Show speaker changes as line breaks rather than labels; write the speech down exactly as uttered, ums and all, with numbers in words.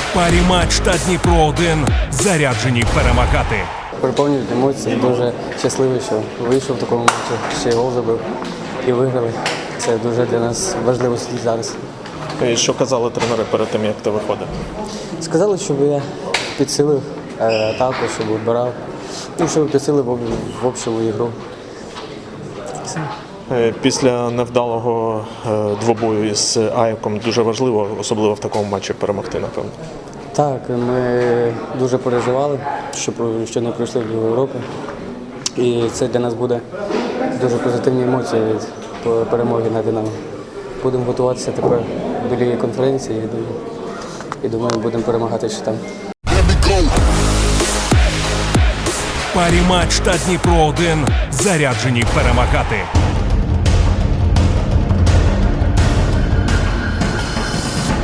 Парі матч та Дніпро один заряджені перемагати.
Переповнюють емоції, дуже щасливий, що вийшов в такому матчі, ще й гол забив і виграли. Це дуже для нас важливо зараз.
І що казали тренери перед тим, як ти виходив?
Сказали, щоб я підсилив е, атаку, щоб відбирав, і щоб підсилив в, в общу ігру. Все.
Е, Після невдалого е, двобою із Аяком дуже важливо, особливо в такому матчі, перемогти, напевно.
Так, ми дуже переживали, що, про- що не пройшли до Європи. І це для нас буде дуже позитивні емоції від по- перемоги над Динамо. Будемо готуватися тепер до Ліги конференції і, до- і думаю, будемо перемагати ще там.
Парі матч та Дніпро один заряджені перемагати.